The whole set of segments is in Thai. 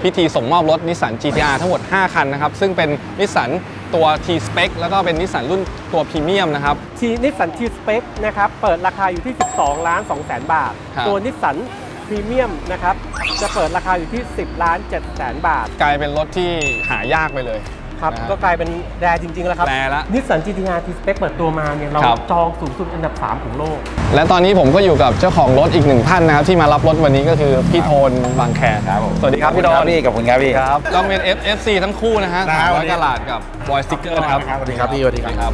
พิธีส่งมอบรถ Nissan GT-R ทั้งหมด5คันนะครับซึ่งเป็น Nissan ตัว T-Spec แล้วก็เป็น Nissan รุ่นตัวพรีเมียมนะครับ Nissan T-Spec นะครับเปิดราคาอยู่ที่ 12,200,000 บาทตัว Nissan พรีเมียมนะครับจะเปิดราคาอยู่ที่ 10,700,000 บาทกลายเป็นรถที่หายากไปเลยครับก็กลายเป็นแรร์จริงๆแล้วครับแรร์ละ Nissan GT-R T-Spec เปิดตัวมาเนี่ยเราจองสูงสุดอันดับ3ของโลกและตอนนี้ผมก็อยู่กับเจ้าของรถอีก1ท่านนะครับที่มารับรถวันนี้ก็คือพี่โทนบางแคครับสวัสดีครับพี่โทนพี่กับคุณครับพี่ครับก็เป็น FC ทั้งคู่นะฮะ300 กะรัตกับบอยสติ๊กเกอร์นะครับสวัสดีครับพี่สวัสดีครับ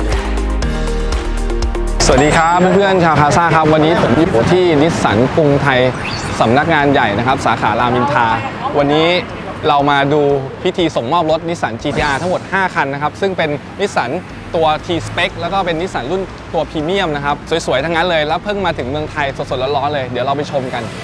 สวัสดีครับเพื่อนๆชาวคาซ่าครับวันนี้ผมอยู่ที่นิสสันกรุงไทยสำนักงานใหญ่นะครับสาขารามอินทราวันนี้เรามาดูพิธีส่งมอบรถ Nissan GT-R ทั้งหมด5คันนะครับซึ่งเป็น Nissan ตัว T-Spec แล้วก็เป็น Nissan รุ่นตัวพรีเมียมนะครับสวยๆทั้งนั้นเลยแล้วเพิ่งมาถึงเมืองไทยสดๆร้อนๆเลยเดี๋ยวเราไปชมกัน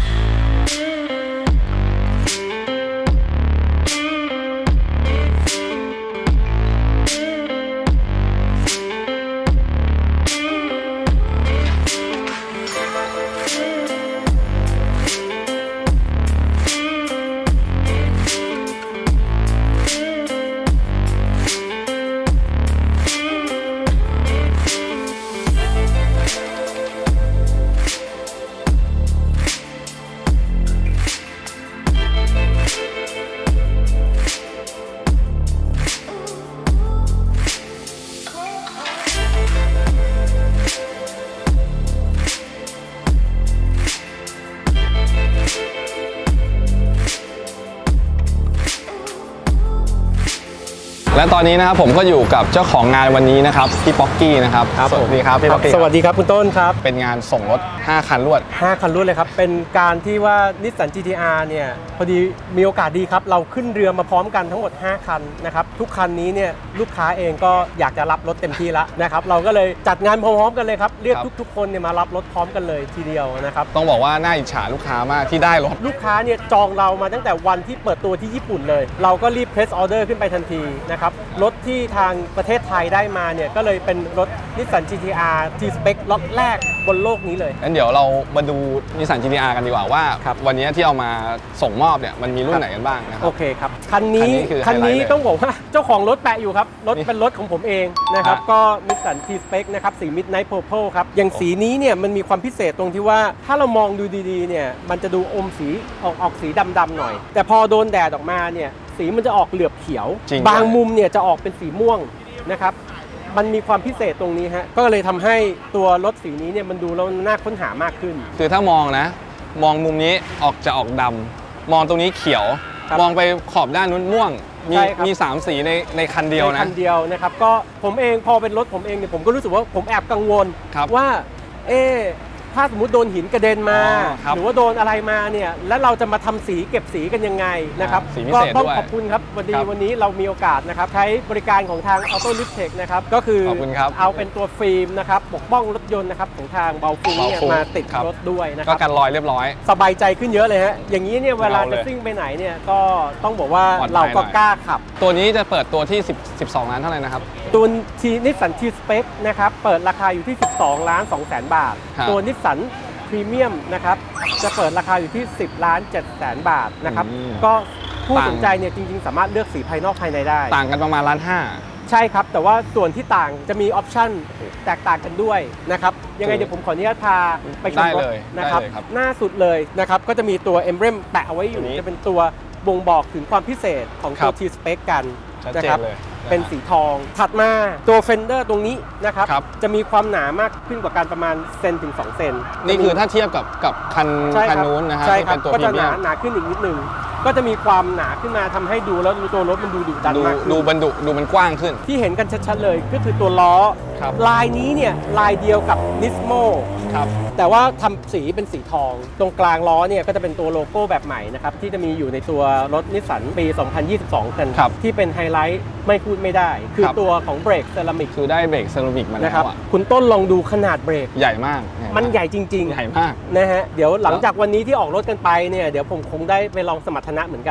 และตอนนี้นะครับผมก็อยู่กับเจ้าของงานวันนี้นะครับพี่ป๊อกกี้นะครับสวัสดีครับพี่ป๊อกกี้สวัสดีครับคุณต้นครับเป็นงานส่งรถ5คันรวด 5คันรวดเลยครับเป็นการที่ว่า Nissan GT-R เนี่ยพอดีมีโอกาสดีครับเราขึ้นเรือมาพร้อมกันทั้งหมด5คันนะครับทุกคันนี้เนี่ยลูกค้าเองก็อยากจะรับรถเต็มที่แล้วนะครับเราก็เลยจัดงานพร้อมๆกันเลยครับเรียกทุกๆคนเนี่ยมารับรถพร้อมกันเลยทีเดียวนะครับต้องบอกว่าน่าอิจฉาลูกค้ามากที่ได้รถลูกค้าเนี่ยจองเรามาตั้งแต่วันที่เปิดตัวที่ญี่ปุ่นเลยเราก็รีบ press order ขึ้นไปทันทีนะครับรถที่ทางประเทศไทยได้มาเนี่ยก็เลยเป็นรถ Nissan GT-R T-Spec ล็อตแรกบนโลกนี้เลยงั้นเดี๋ยวเรามาดู Nissan GT-R กันดีกว่าว่าวันนี้ที่เอามาส่งมอบเนี่ยมันมีรุ่นไหนกันบ้างนะครับโอเคครับคันนี้ต้องบอกว่าเจ้าของรถแปะอยู่ครับรถเป็นรถของผมเองนะครับก็ Nissan T-Spec นะครับสี Midnight Purple ครับอย่างสีนี้เนี่ยมันมีความพิเศษตรงที่ว่าถ้าเรามองดูดีๆเนี่ยมันจะดูอมสีออกสีดำๆหน่อยแต่พอโดนแดดออกมาเนี่ยสีมันจะออกเหลือบเขียวบางมุมเนี่ยจะออกเป็นสีม่วงนะครับมันมีความพิเศษตรงนี้ฮะก็เลยทำให้ตัวรถสีนี้เนี่ยมันดูแล้วน่าค้นหามากขึ้นคือถ้ามองนะมองมุมนี้จะออกดำมองตรงนี้เขียวมองไปขอบด้านนู้นม่วงมี3สีในคันเดียวนะคันเดียวนะครับก็ผมเองพอเป็นรถผมเองเนี่ยผมก็รู้สึกว่าผมแอบกังวลว่าถ้าสมมติโดนหินกระเด็นมาหรือว่าโดนอะไรมาเนี่ยแล้วเราจะมาทำสีเก็บสีกันยังไงนะครับก็ต้องขอบคุณครับวันนี้เรามีโอกาสนะครับใช้บริการของทาง Auto Lift Tech นะครับก็คือเอาเป็นตัวฟิล์มนะครับปกป้องรถยนต์นะครับของทางเบาฟุ้งเนี่ยมาติดรถด้วยนะครับก็กันรอยเรียบร้อยสบายใจขึ้นเยอะเลยฮะอย่างนี้เนี่ยเวลาจะซิ่งไปไหนเนี่ยก็ต้องบอกว่าเราก็กล้าขับตัวนี้จะเปิดตัวที่12 ล้านเท่าไหร่นะครับตัว Nissan T-Spec นะครับเปิดราคาอยู่ที่ 12,200,000 บาทตัวNissanพรีเมียมนะครับจะเปิดราคาอยู่ที่ 10,700,000 บาทนะครับก็ผู้สนใจเนี่ยจริงๆสามารถเลือกสีภายนอกภายในได้ต่างกันประมาณ1.5 ล้านใช่ครับแต่ว่าส่วนที่ต่างจะมีออปชั่นแตกต่างกันด้วยนะครับยังไงเดี๋ยวผมขออนุญาตพาไปชมรถนะครับหน้าสุดเลยนะครับก็จะมีตัว Emblem แปะเอาไว้อยู่จะเป็นตัวบ่งบอกถึงความพิเศษของตัว T-Spec กันนะครับเป็นสีทองถัดมาตัวเฟนเดอร์ตรงนี้นะครับจะมีความหนามากขึ้นกว่าการประมาณเซนถึง2 เซนนี่คือถ้าเทียบกับคันนู้นนะครับที่เป็นตัวพรีเมียมก็จะหนาขึ้นอีกนิดนึงก็จะมีความหนาขึ้นมาทำให้ดูแล้วตัวรถมันดูดุดันมากดูบรรดุดูมันกว้างขึ้นที่เห็นกันชัดๆเลยก็คือตัวล้อลายนี้เนี่ยลายเดียวกับ Nismo แต่ว่าทำสีเป็นสีทองตรงกลางล้อเนี่ยก็จะเป็นตัวโลโก้แบบใหม่นะครับที่จะมีอยู่ในตัวรถนิสสันปี 2022 กันที่เป็นไฮไลท์ไม่พูดไม่ได้คือตัวของเบรกเซรามิกคือได้เบรกเซรามิกมาแล้วคุณต้นลองดูขนาดเบรกใหญ่มากมันใหญ่จริงๆใหญ่มากนะฮะเดี๋ยวหลังจากวันนี้ที่ออกรถกันไปเนี่ยเดี๋ยวผมคงได้ไปลองสมรรถนะเหมือนกัน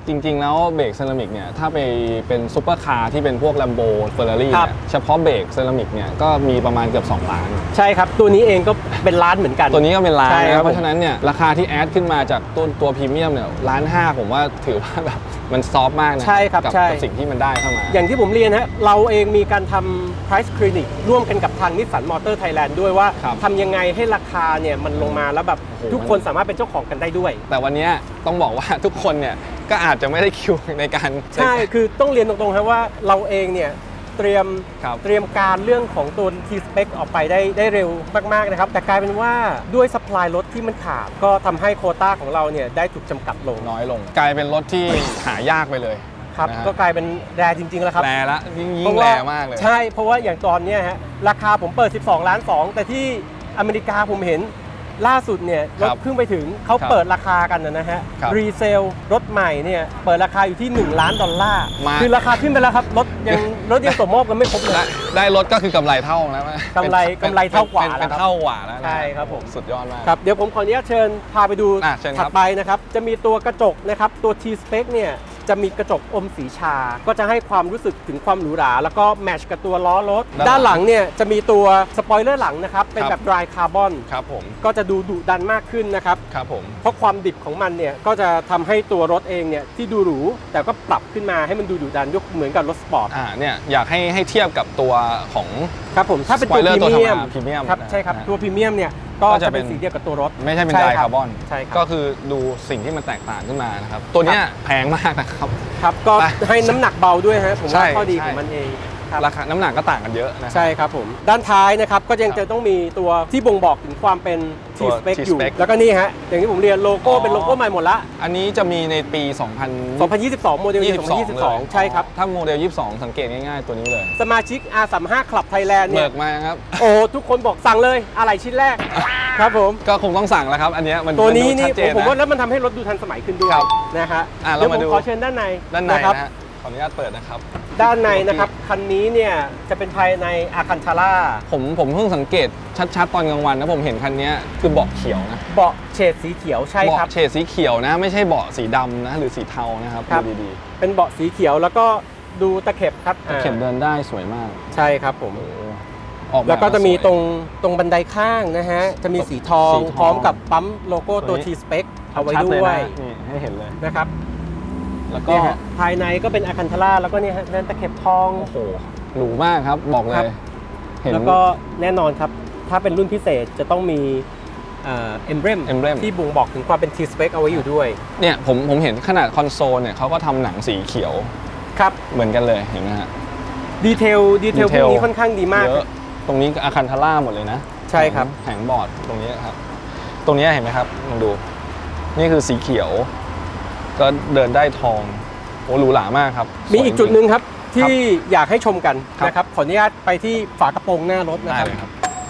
จริง ๆ แล้วเบรกเซรามิกเนี่ยถ้าไปเป็นซุปเปอร์คาร์ที่เป็นพวก Lambo Ferrari ครับเนี่ยเฉพาะเบรกเซรามิกเนี่ยก็มีประมาณเกือบ2 ล้านใช่ครับตัวนี้เองก็เป็นล้านเหมือนกันตัวนี้ก็เป็นล้านใช่ครันะบเพราะฉะนั้นเนี่ยราคาที่แอดขึ้นมาจากตัวพรีเมียมเนี่ย1.5 ผมว่าถือว่าแบบมันซอฟต์มากนะใช่ครับกัใช่กับสิ่งที่มันได้เข้ามาอย่างที่ผมเรียนฮะเราเองมีการทำ price clinic ร่วมกันกับทางนิสสันมอเตอร์ไทยแลนด์ด้วยว่าครับทำยังไงให้ราคาเนี่ยมันลงมาแล้วแบบโอ้โหทุกคนสามารถเป็นเจ้าของกันได้ด้วยแต่วันนี้ต้องบอกว่าทุกคนเนี่ยก็อาจจะไม่ได้คิวในการใช่คือต้องเรียนตรงๆครับว่าเราเองเนี่ยเตรียมครับเตรียมการเรื่องของตัว T-Spec ออกไปได้เร็วมากๆนะครับแต่กลายเป็นว่าด้วย supply รถที่มันขาดก็ทำให้โควต้าของเราเนี่ยได้ถูกจำกัดลงน้อยลง กลายเป็นรถที่หายากไปเลยครับนะฮะก็กลายเป็นแรจริงๆแล้วครับแรละยิ่เพงราะแรว่ามากเลยใช่เพราะว่าอย่างตอนเนี้ยฮะราคาผมเปิด 12 ล้าน 2 แต่ที่อเมริกาผมเห็นล่าสุดเนี่ยรถครับเพิ่งไปถึงเขาครับเปิดราคากันนะฮะครับรีเซลรถใหม่เนี่ยเปิดราคาอยู่ที่$1 ล้านมาคือราคาขึ้นไปแล้วครับรถยังส่งมอบกันไม่ครบเลยได้รถก็คือกำไรเท่านะกำไรเท่ากว่าเป็นแล้วครับเท่ากว่าแล้วนะใช่ครับผมสุดยอดมากครับเดี๋ยวผมขออนุญาตเชิญพาไปดูเชิญครับถัดไปนะครับจะมีตัวกระจกนะครับตัว T-Spec เนี่ยจะมีกระจกอมสีชา ก็จะให้ความรู้สึกถึงความหรูหราแล้วก็แมทช์กับตัวล้อรถด้านหลังเนี่ยจะมีตัวสปอยเลอร์หลังนะครับเป็นแบบ dry carbon ครับผมก็จะดูดุดันมากขึ้นนะครับครับผมเพราะความดิบของมันเนี่ยก็จะทำให้ตัวรถเองเนี่ยที่ดูหรูแต่ก็ปรับขึ้นมาให้มันดูดุดันยกเหมือนกับรถสปอร์ตเนี่ยอยากให้เทียบกับตัวของครับผมถ้าเป็นตัว Spoiler พรีเมียมตัวธรรมดา Premium ครับนะใช่ครับนะตัวพรีเมียมเนี่ยก็ก็จะจะเป็นเป็นสีเดียวกับตัวรถไม่ใช่เป็นใช่ไดครับคาร์บอนใช่ครับก็คือดูสิ่งที่มันแตกต่างขึ้นมานะครับ ตัวเนี้ยแพงมากนะครับครับก็ไปให้น้ำหนักเบาด้วยฮะผมใช่ว่าข้อดีใช่ของมันเองครับราคาน้ำหนักก็ต่างกันเยอะนะใช่ครับผมด้านท้ายนะครับก็ยังครับจะต้องมีตัวที่บ่งบอกถึงความเป็นตัว T-Spec อยู่ T-Spec แล้วก็นี่ฮะอย่างที่ผมเรียนโลโก้อ๋อเป็นโลโก้ใหม่หมดละอันนี้จะมีในปี 2022 โมเดลเลย 2022 ใช่ครับถ้าโมเดล 22 สังเกตง่ายๆตัวนี้เลยสมาชิก R35 Club Thailand เบิเนี่ยกมาครับโอ้ทุกคนบอกสั่งเลยอะไรชิ้นแรกครับผมก็คงต้องสั่งแล้วครับ อันเนี้ยมันตัวนี้มัดูนี่ชัดเจนผมว่านะแล้วมันทำให้รถดูทันสมัยขึ้นด้วยครับนะฮะเราเดี๋ยวผมมาดูขอเชิญด้านในด้านในนะครับนะฮะขออนุญาตเปิดนะครับด้านในนะครับคันนี้เนี่ยจะเป็นภายในอาคันทาร่าผมเพิ่งสังเกตชัดๆตอนกลางวันนะผมเห็นคันเนี้ยคือเบาะเขียวนะเบาะเฉดสีเขียวใช่ครับเบาะเฉดสีเขียวนะ ไม่ใช่เบาะสีดำนะหรือสีเทานะครับครับดูดีเป็นเบาะสีเขียวแล้วก็ดูตะเข็บครับๆเข็มเดินได้สวยมากใช่ครับผมออกแบบแล้วก็จะมีสวยตรงบันไดข้างนะฮะ จะมีสีทองสีทองพร้อมกับปั๊มโลโก้ตัวตัวนี้ T-Spec เอาไว้ชัด้เลวยนะนี่ให้เห็นเลยนะครับแล้วก็เนี่ยฮะภายในก็เป็นอาคันทาร่าแล้วก็เนี่ยฮะนั่นตะเข็บทองโอ้โหหรูมากครับบอกเลครับย เห็นแล้วก็แน่นอนครับ ถ้าเป็นรุ่นพิเศษจะต้องมีเอ็มเบรม emblem ที่บ่งบอกถึงความเป็น T-Spec เอาไว้อยู่ด้วยเนี่ยผมเห็นขนาดคอนโซลเนี่ยเขาก็ทำหนังสีเขียวครับเหมือนกันเลยเห็นไหมฮะดีเทลพวกนี้ค่อนข้างดีมากเยอะตรงนี้อาคันทาร่าหมดเลยนะใช่ครับแผงบอร์ดตรงนี้ครับ ตรงนี้เห็นไหมครับลองดู นี่คือสีเขียว ก็เดินได้ทองโอ้หรูหรามากครับมีอีกจุดหนึ่งครับครับที่อยากให้ชมกันครับนะครับขออนุญาตไปที่ฝากระโปรงหน้ารถนะได้ครับเลยครับ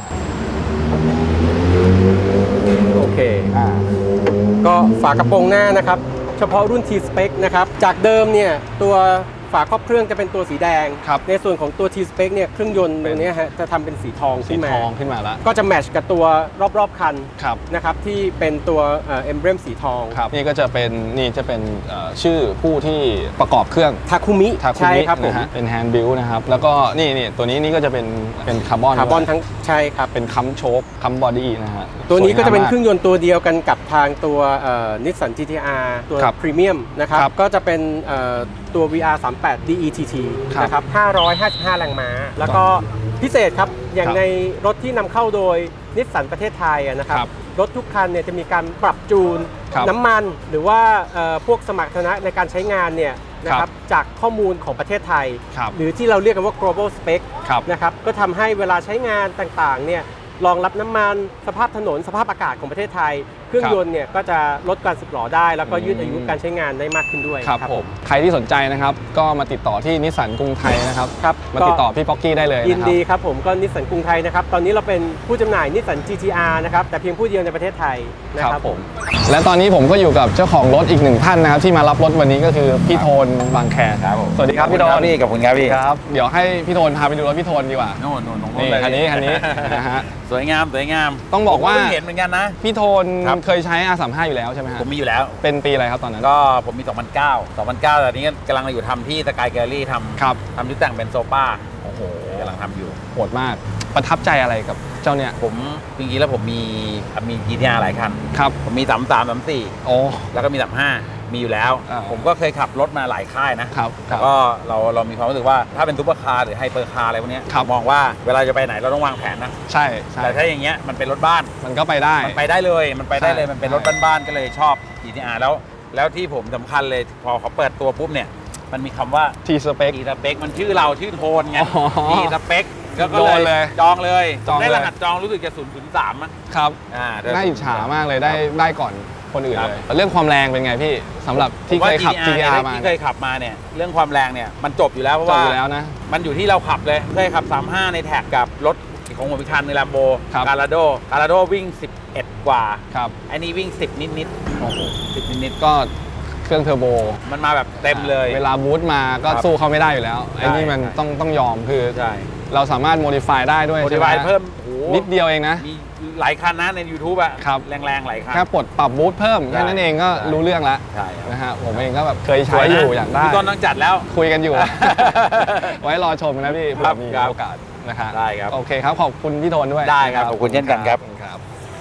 โอเคอ่าก็ฝากระโปรงหน้านะครับ เฉพาะรุ่น T-Spec นะครับ จากเดิมเนี่ยตัวฝาครอบเครื่องจะเป็นตัวสีแดงครับในส่วนของตัว T-Spec เนี่ยเครื่องยนต์ตรงเนี้ยฮะจะทำเป็นสีทองสีขึ้นมาทองขึ้นมาแล้วก็จะแมทช์กับตัวรอบๆคันครับนะครับที่เป็นตัวเอ็มเบรมสีทองครับนี่ก็จะเป็นชื่อผู้ที่ประกอบเครื่องทาคุมิทาคุใช่มิครับผมนะฮะเป็นแฮนด์บิลนะครับ แล้วก็นี่ตัวนี้ก็จะเป็นคาร์บอนคาร์บอนทั้งใช่ครับเป็นคัมโชคคัมบอดี้นะฮะตัวนี้ก็จะเป็นสวยงามเครื่องยนต์ตัวเดียวกันกับทางตัวนิสสัน GT-R ตัวครับพรีเมียมนะครับครับก็จะเป็นตัว VR38 DETT ครับนะครับ555 แรงม้า แล้วก็พิเศษครับ อย่างครับในรถที่นำเข้าโดยนิสสันประเทศไทยนะครับครับรถทุกคันเนี่ยจะมีการปรับจูนครับน้ำมันหรือว่าพวกสมรรถนะในการใช้งานเนี่ยนะครับจากข้อมูลของประเทศไทยครับหรือที่เราเรียกกันว่า global spec ครับนะครับก็ทำให้เวลาใช้งานต่างๆเนี่ยรองรับน้ำมันสภาพถนนสภาพอากาศของประเทศไทย เครื่องยนต์เนี่ยก็จะลดการสึกหรอได้ แล้วก็ยืดอายุการใช้งานได้มากขึ้นด้วยครับผมใครที่สนใจนะครับก็มาติดต่อที่นิสสันกรุงไทยนะครับครับมาติดต่อพี่ป๊อกกี้ได้เลยยินนะครับดีครับผมก็นิสสันกรุงไทยนะครับตอนนี้เราเป็นผู้จำหน่ายนิสสัน GT-R นะครับแต่เพียงผู้เดียวในประเทศไทยนะคครัรับบ ผมและตอนนี้ผมก็อยู่กับเจ้าของรถอีกหนึ่งท่านนะครับที่มารับรถวันนี้ก็คือพี่โทนบางแคครับผมสวัสดีครับพี่โทนพี่กับคุณครับพี่ครับเดี๋ยวให้พี่โทนพาไปดูรถพี่โทนดีกว่าโน่นตรงนี่เลยคันนี้นะฮะสวยงามต้องบอกว่าผมเพิ่งเห็นเหมือนกันนะพี่โทนครับเคยใช้ R35 อยู่แล้วใช่ไหมฮะผมมีอยู่แล้วเป็นปีอะไรครับตอนนั้นก็ผมมี 2009 แต่นี้กำลังอยู่ทำที่สกายแกลลี่ทครับำชุดแต่งเป็นโซป้าโอ้โหกำลังทำอยู่โหดมากประทับใจอะไรกับเจ้าเนี่ยผมจริงๆแล้วผมมี GTR หลายคันครับผมมี 33 34 โอ้แล้วก็มี 35 มีอยู่แล้วอ่าผมก็เคยขับรถมาหลายค่ายนะครับครัแต่บก็เรามีความรู้สึกว่าถ้าเป็นซุปเปอร์คาร์หรือไฮเปอร์คาร์อะไรพวกเนี้ยครับมองว่าเวลาจะไปไหนเราต้องวางแผนนะใช่ใช่แต่ถ้าอย่างเงี้ยมันเป็นรถบ้านมันก็ไปได้มันไปได้เลยมันเป็นใช่รถบ้านๆก็เลยชอบ GTR แล้วที่ผมสำคัญเลยพอเขาเปิดตัวปุ๊บเนี่ยมันมีคำว่า T spec T spec มันชื่อเราชื่อโทนไงอ๋อ T spec ก็โดนเลยจองเลยจองเลยได้รหัสจองรู้สึกจะ003มั้งครับแต่น่าอิจฉามากเลยได้ก่อนคนอื่นครับเลยเรื่องความแรงเป็นไงพี่สำหรับที่เคยขับ GTR มาที่เคยขับมาเนี่ยเรื่องความแรงเนี่ยมันจบอยู่แล้วเพราะจบว่าอยู่แล้วนะมันอยู่ที่เราขับเลยเคยขับ 35 ในแท็กกับรถของผมอีกคันใน Lambo ครับ Gallardo วิ่ง 11 กว่าครับอันนี้วิ่ง 10 นิดโอ้โหๆ10 นิดก็เครื่องเทอร์โบๆมันมาแบบเต็มเลยเวลาบูตมาก็ครับสู้เขาไม่ได้อยู่แล้วไอ้นี่มันใช่ต้องยอมคือใช่เราสามารถโมดิฟายได้ด้วยโมดิใช่ไหฟายเพิ่มโอ้โหนิดเดียวเองนะมีหลายคันนะใน YouTube อะครับแรงๆหลายคันแค่ปลดปรับบูตเพิ่มใช่แค่นั้นเองก็ใช่รู้เรื่องแล้วใช่ครับนะฮะผมเองก็แบบเคยใช้อยู่อยากได้พี่ต้นต้องจัดแล้วคุยกันอยู่ ไว้รอชมนะพี่เผื่ครัอบ มีครับโอกาสนะครับได้ครับโอเคครับขอบคุณพี่โทนด้วยได้ครับขอบคุณเช่นกันครับครับ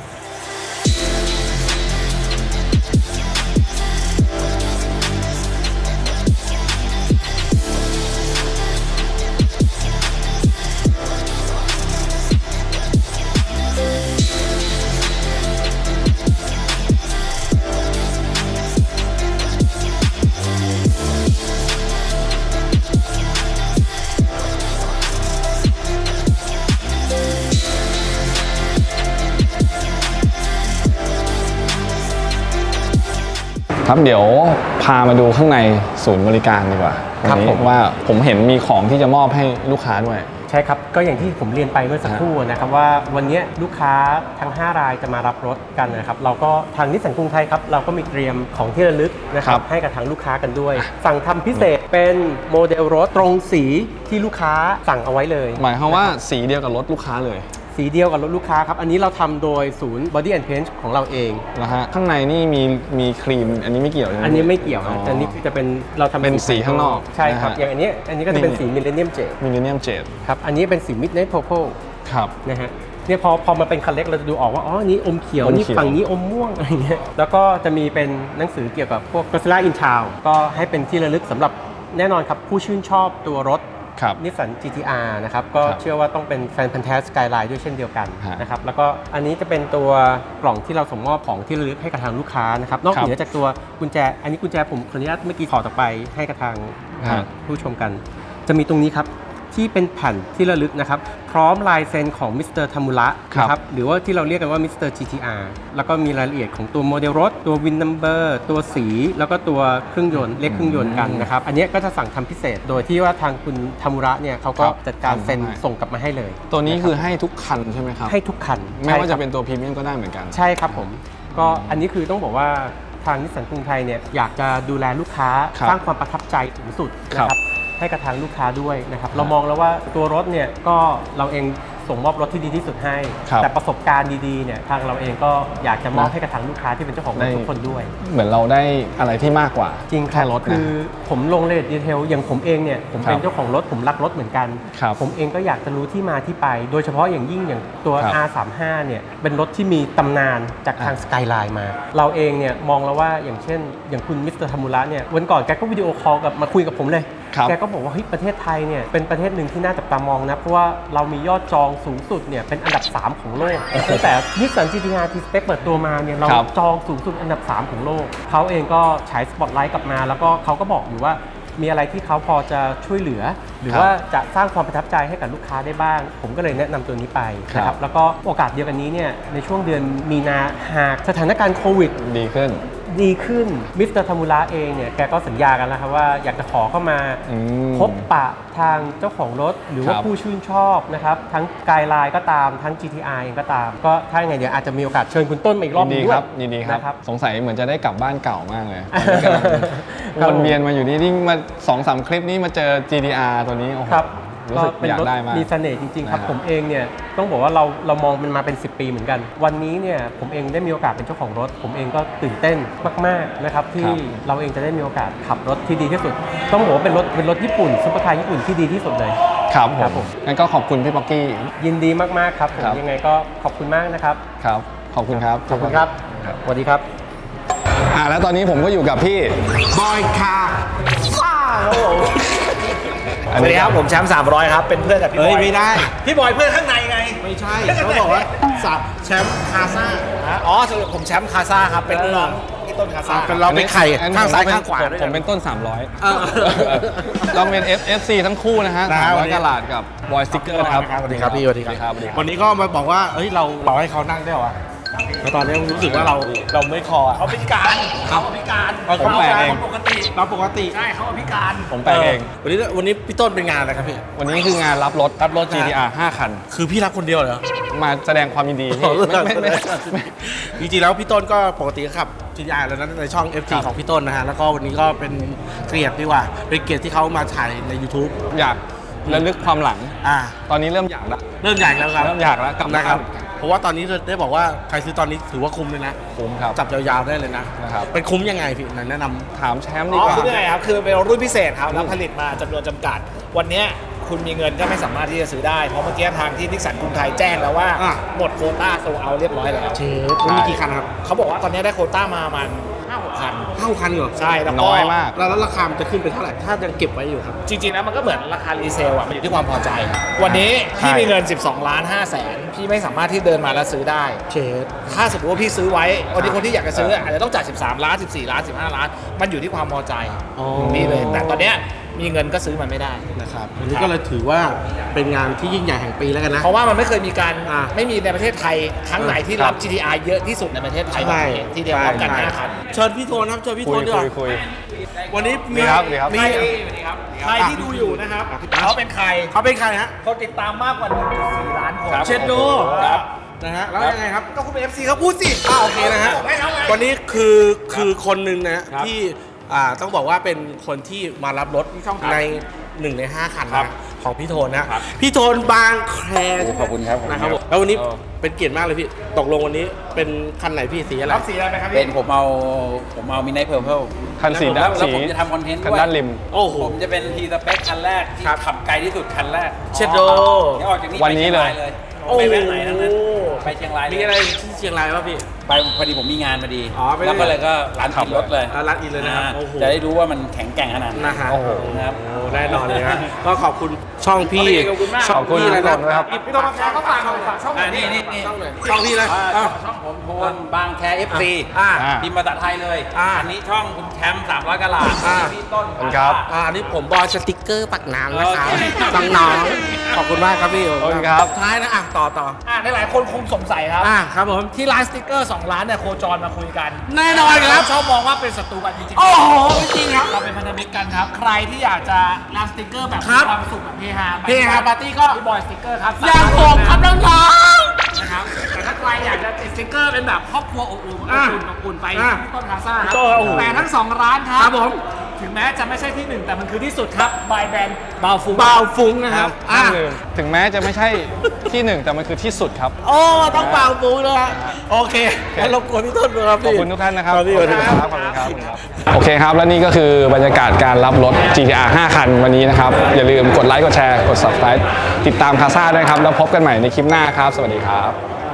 ครับเดี๋ยวพามาดูข้างในศูนย์บริการดีกว่าครับวันนี้ผมว่าผมเห็นมีของที่จะมอบให้ลูกค้าด้วยใช่ครับก็อย่างที่ผมเรียนไปเมื่อสักครู่นะครับว่าวันนี้ลูกค้าทั้ง 5 รายจะมารับรถกันนะครับเราก็ทางนิสสันกรุงไทยครับเราก็มีเตรียมของที่ระลึกนะคครัรับบ ให้กับทางลูกค้ากันด้วย สั่งทำพิเศษเป็นโมเดลรถตรงสีที่ลูกค้าสั่งเอาไว้เลยหมายความว่าสีเดียวกับรถลูกค้าเลยสีเดียวกับรถลูกค้าครับอันนี้เราทำโดยศูนย์ Body and Paint ของเราเองนะฮะข้างในนี่มีครีมอันนี้ไม่เกี่ยวใช่ไหมอันนี้ไม่เกี่ยวนะอันนี้คือจะเป็นเราทำเป็นสีข้างนอกใช่ครับนะฮะอย่างอันนี้ก็จะเป็นสี Millennium Jade มิลเลนเนียมเจดครับอันนี้เป็นสี Midnight Purple ครับนะฮะเนี่ยพอมาเป็นคันเล็กเราจะดูออกว่าอ๋อนี่อมเขียวอมเขียวนี่ฝั่งนี้อมม่วงอะไรเงี้ยแล้วก็จะมีเป็นหนังสือเกี่ยวกับพวก Godzilla in Town ก็ให้เป็นที่ระลึกสำหรับแน่นอนครับผู้ชื่นชอบตัวรถครับนิสสัน GTR นะครับก็ครับเชื่อว่าต้องเป็นแฟนพันธุ์แท้สกายไลน์ด้วยเช่นเดียวกันฮะนะครับแล้วก็อันนี้จะเป็นตัวกล่องที่เราส่งมอบของที่ระลึกให้กับทางลูกค้านะครับนอกครับเหนือจากตัวกุญแจอันนี้กุญแจผมขออนุญาตเมื่อกี้ขอต่อไปให้กับทางฮะผู้ชมกัน จะมีตรงนี้ครับที่เป็นแผ่นที่ระลึกนะครับพร้อมลายเซ็นของมิสเตอร์ทามุระนะครับหรือว่าที่เราเรียกกันว่ามิสเตอร์ GTR แล้วก็มีรายละเอียดของตัวโมเดลรถตัววินนัมเบอร์ตัวสีแล้วก็ตัวเครื่องยนต์เลขเครื่องยนต์กันนะครับอันนี้ก็จะสั่งทำพิเศษโดยที่ว่าทางคุณทามุระเนี่ยเขาก็ครับจัดการเซ็นทำให้ส่งกลับมาให้เลยตัวนี้คือให้ทุกคันใช่ไหมครับให้ทุกคันไม่ว่าใช่คจะรับเป็นตัวพรีเมียมก็ได้เหมือนกันใช่ครับผมก็อันนี้คือต้องบอกว่าทางนิสสันกรุงไทยเนี่ยอยากจะดูแลลูกค้าครับสร้างความประทับใจถึงสุดนะคครัรับบ ให้กับทางลูกค้าด้วยนะครับเรามองแล้วว่าตัวรถเนี่ยก็เราเองส่งมอบรถที่ดีที่สุดให้ครับแต่ประสบการณ์ดีๆเนี่ยทางเราเองก็อยากจะมอบนะให้กับทางลูกค้าที่เป็นเจ้าของรถทุกคนด้วยเหมือนเราได้อะไรที่มากกว่าจริงแค่รถคืนะอผมลงรายละเอียดดีเทลอย่างผมเองเนี่ยผมเป็นครับเจ้าของรถผมรักรถเหมือนกันครับผมเองก็อยากจะรู้ที่มาที่ไป โดยเฉพาะอย่างยิ่งอย่างตัวครับ R35 เนี่ยเป็นรถที่มีตำนานจากทางสกายไลน์มา เราเองเนี่ยมองแล้วว่าอย่างเช่น อย่างคุณมิสเตอร์ทามุระเนี่ยวันก่อนแกก็วิดีโอคอลกับมาคุยกับผมเลยครับแกก็บอกว่าเฮ้ยประเทศไทยเนี่ยเป็นประเทศหนึ่งที่น่าจับตามองนะเพราะว่าเรามียอดจองสูงสุดเนี่ยเป็นอันดับ 3 ของโลกตั้งแต่นิสสัน GTR T-Spec เปิดตัวมาเนี่ยเราครับจองสูงสุดอันดับ 3 ของโลกเขาเองก็ฉายสปอตไลท์กลับมา แล้วก็เขาก็บอกอยู่ว่ามีอะไรที่เขาพอจะช่วยเหลือ หรือครับว่าจะสร้างความประทับใจให้กับลูกค้าได้บ้าง ผมก็เลยแนะนำตัวนี้ไปนะคครัรับบ แล้วก็โอกาสเดียวกันนี้เนี่ยในช่วงเดือนมีนาหากสถานการณ์โควิดดีขึ้นดีขึ้นมิสเตอร์ทามุระเองเนี่ยแกก็สัญญากันแล้วครับว่าอยากจะขอเข้ามาอืมพบปะทางเจ้าของรถหรือว่าครับผู้ชื่นชอบนะครับทั้งกายไลน์ก็ตามทั้ง GTR เองก็ตาม ก็ถ้าอย่างไงเดี๋ยวอาจจะมีโอกาสเชิญคุณต้นมาอีกรอบหยินนึดีงด้คว รัยบยินดีครับนะครับสงสัยเหมือนจะได้กลับบ้านเก่ามากเลยกำลังครับวนเวียนมาอยู่นี่มา2-3 คลิปนี้มาเจอ GTR ตัวนี้โอ้โหครับรู้สึกเป็นอยากรถได้มากมีเสน่ห์จริงๆครับนะฮะผมเองเนี่ยต้องบอกว่าเรามองมันมาเป็น10 ปีเหมือนกัน วันนี้เนี่ยผมเองได้มีโอกาสเป็นเจ้าของรถ ผมเองก็ตื่นเต้นมากๆนะครับที่เราเองจะได้มีโอกาสขับรถที่ดีที่สุด ต้องบอกว่าเป็นรถญี่ปุ่นซุปเปอร์คาร์ญี่ปุ่นที่ดีที่สุดเลยครับผครับมผมงั้นก็ขอบคุณพี่ป๊อกกี้ยินดีมากๆครับผมครับยังไงก็ขอบคุณมากนะครับครับ ขอบคุณครับขอบคุณครับสวัสดีครับแล้วตอนนี้ผมก็อยู่กับพี่บอยคาซ่าครับผมอันสวัสนี้ดีครับผมแชมป์300ครับเป็นเพื่อนกับพี่บอยเฮ้ยไม่ได้พี่บอยเพื่อนข้างในไงไม่ใช่เขาบอกว่าสับแชมป์คาซ่าอ๋อสรุปผมแชมป์คาซ่าครับเป็นลูกน้องพี่ต้นคาซ่าเป็นเราเป็นไข่อันนี้ข้างซ้ายผมเป็นข้างขวาด้วยผมเป็นต้น 300เราเป็น FC ทั้งคู่นะฮะนะครับ 300กะลาดกับบอยสติ๊กเกอร์นะครับสวัสดีครับพี่สวัสดีครับสวัสดีครับวันนี้ก็มาบอกว่าเฮ้ยเราบอกให้เขานั่งได้เหรอวะแล้วตอนนี้รู้สึกว่าเราไม่คออ่ะเขาพิการเขาพิการผมแปลเองปกติเราปกติใช่เขาพิการผมแปลเองวันนี้พี่ต้นเป็นงานอะไรครับพี่วันนี้คืองานรับรถรับรถ GTR 5 คันคือพี่รับคนเดียวเหรอมาแสดงความยินดีพี่ไม่จริงๆแล้วพี่ต้นก็ปกติก็ขับ GTR แล้วนั้นในช่อง FT ครับของพี่ต้นนะฮะแล้วก็วันนี้ก็เป็นเกียรติดีกว่าเป็นเกียรติที่เขามาถ่ายใน YouTube อยากระลึกความหลังอ่าตอนนี้เริ่มอยากละเริ่มใหญ่แล้วครับเริ่มอยากแล้วกลับมานะครับ เพราะว่าตอนนี้ได้บอกว่าใครซื้อตอนนี้ถือว่าคุ้มเลยนะคุ้มครับจับยาวๆได้เลยนะนะครับเป็นคุ้มยังไงพี่ไหนแนะนำถามแชมป์อ๋ดีอกว่าคือยังไงครับคือเป็นรุ่นพิเศษครับแล้วผลิตมาจำนวนจำกัด วันเนี้ยคุณมีเงินก็ไม่สามารถที่จะซื้อได้เพราะเมื่อกี้ทางที่นิสสันกรุงไทยแจ้งแล้วว่าอ่ะหมดโควต้าโซลเอาท์เรียบร้อยแล้วเชฟมันมีกี่คันครับเขาบอกว่าตอนนี้ได้โควต้ามาประมาณ5-6 คัน 5 คันเหรอใช่แล้วก็น้อยมากแล้วราคามันจะขึ้นไปเท่าไหร่ถ้ายังเก็บไว้อยู่ครับจริงๆแล้วมันก็เหมือนราคารีเซลอ่ะมันอยู่ที่ความพอใจ วันนี้พี่มีเงิน 12 ล้าน5แสนพี่ไม่สามารถที่เดินมาแล้วซื้อได้เชฟถ้าสมมติว่าพี่ซื้อไว้วันนี้คนที่อยากจะซื้ออาจจะต้องจ่าย13 ล้าน 14 ล้าน 15 ล้าน มันอยู่ที่ความพอใจอ๋อนี่เลย แต่ตอนเนี้ยมีเงินก็ซื้อมันไม่ได้นะครับวันนี้ก็เลยถือว่าเป็นงานที่ยิ่งใหญ่แห่งปีแล้วกันนะเพราะว่ามันไม่เคยมีการอ่ะไม่มีในประเทศไทยครั้งไหนที่รับ GTR เยอะที่สุดในประเทศไทยใช่ทีเดียวพร้อมกันใช่ 5 คันเชิญพี่โทนครับเชิญพี่คุโทยนดีกว่าคุยวันนี้มีดีครับดีครับมีใครที่ดูอยู่นะครับเขาเป็นใครเขาเป็นใครฮะเขาติดตามมากกว่า 1.4 ล้านคนเชนโดครับนะฮะแล้วยังไงครับก็คุณเป็น FC เขาพูดสิโอเคนะฮะบอกให้เขาไงวันนี้คือคนหนึ่งนะฮะที่ต้องบอกว่าเป็นคนที่มารับรถใน1 ใน 5 คันนะของพี่โทนนะพี่โทนบางแคขอบคุณครับนะครับผมแล้ววันนี้เป็นเกียรติมากเลยพี่ตกลงวันนี้เป็นคันไหนพี่สีอะไรรับสีอะไรไหมครับเป็พี่นผมเอามินไนท์เพอร์เพลคันสีด้านแล้วสีผมจะทำคอนเทนต์คันด้วยด้านริมโอ้โหผมจะเป็นทีสเปคคันแรกที่ขับไกลที่สุดคันแรกเชดโดที่ออกจากนี่วันนี้เลยไปแวะไหนทั้งนั้นไปเชียงรายมีอะไรที่เชียงรายป่ะพี่ไปพอดีผมมีงานมาดีอ๋อไม่ได้แล้วก็เลยก็ร้านขับรถเลยร้านอินเลยนะครับอ่าโอ้โหจะได้รู้ว่ามันแข็งแกร่งขนาดไหนนะฮะโอ้โหนะครับโอ้แน่นอนเลยฮะก็ขอบคุณช่องพี่ขอบคุณมากช่องพี่อะไรขอบคุณนะครับพี่ต้องมาแชร์เขาฝากช่องไหนนี่ช่องไหนช่องพี่เลยอ้าวช่องผมโทนบางแค FC อ่าพิมพ์ภาษาไทยเลยอ่าอันนี้ช่องคุณแชมป์300กะลาดอ่าพี่ต้นขอบคุณครับอันนี้ผมบอยสติ๊กเกอร์ปักน้ำนะครับโอเคน้องๆขอบคุณมากครับพี่ขอบคุณครับท้ายนะต่อหลายๆคนคงสงสัยครับครับผมที่ร้านสติ๊กเกอร์ 2 ล้านเนี่ยโคจรมาคุยกันแน่นอนครับชอบมองว่าเป็นศัตรูกันจริงๆโอ้โหไม่จริงครับเราเป็นพันธมิตรกันครับ ใครที่อยากจะรับสติ๊กเกอร์แบบครับมีความสุขแบบเฮฮาเฮฮาปาร์ตี้ก็พี่บอยสติ๊กเกอร์ครับอย่างผมครับน้องนะครับแต่ถ้าใครอยากจะติดสติ๊กเกอร์เป็นแบบครอบครัวอบอุ่นอ่ะอบอุ่นไปอ่ะที่ต้นคาซ่าครับต้นโอ้โหแต่ทั้ง 2 ร้านครับครับผมถึงแม้จะไม่ใช่ที่หนึ่งแต่มันคือที่สุดครับบายแบนด์บาวฟูๆเบาฟุ้งนะครับห้ามลืมถึงแม้จะไม่ใช่ที่หนึ่งแต่มันคือที่สุดครับโอ้ต้องเบาฟุ้งเลยฮะโอเคงั้นรบกวนพี่ต้นด้วยครับขอบพี่คุณทุกท่านนะครับครับพี่สวัสดีครับขอบคุณครับโอเคครับ และนี่ก็คือบรรยากาศการรับรถ GTR 5 คันวันนี้นะครับ อย่าลืมกดไลค์ กดแชร์ กด subscribe ติดตามคาซ่าด้วยครับ แล้วพบกันใหม่ในคลิปหน้าครับ สวัสดีครับ